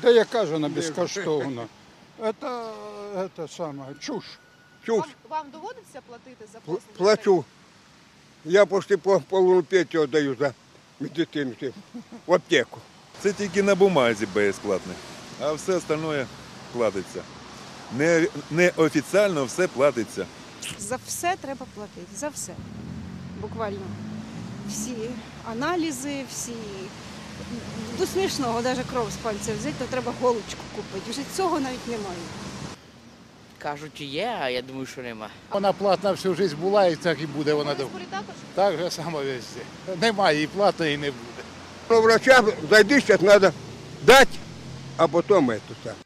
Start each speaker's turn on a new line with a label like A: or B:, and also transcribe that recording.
A: Да яка ж вона безкоштовна? Це саме, чуш.
B: Чув,
C: Вам доводиться платити за послуги?
B: плачу. Я почти половину пенсію даю за медицину в аптеку.
D: Це тільки на бумазі безплатне, а все остальне платиться. Неофіційно все платиться.
E: За все треба платити, за все. Буквально. Всі аналізи, всі. До смішного, навіть кров з пальця взяти, то треба голочку купити. Вже цього навіть немає.
F: Кажуть, є, а я думаю, що нема.
G: Вона платна всю життя була і так і буде вона.
C: Борисполі також?
G: Так же само везде. Немає і платної, і не буде.
B: До врача зайди, зараз треба дати, а потім це.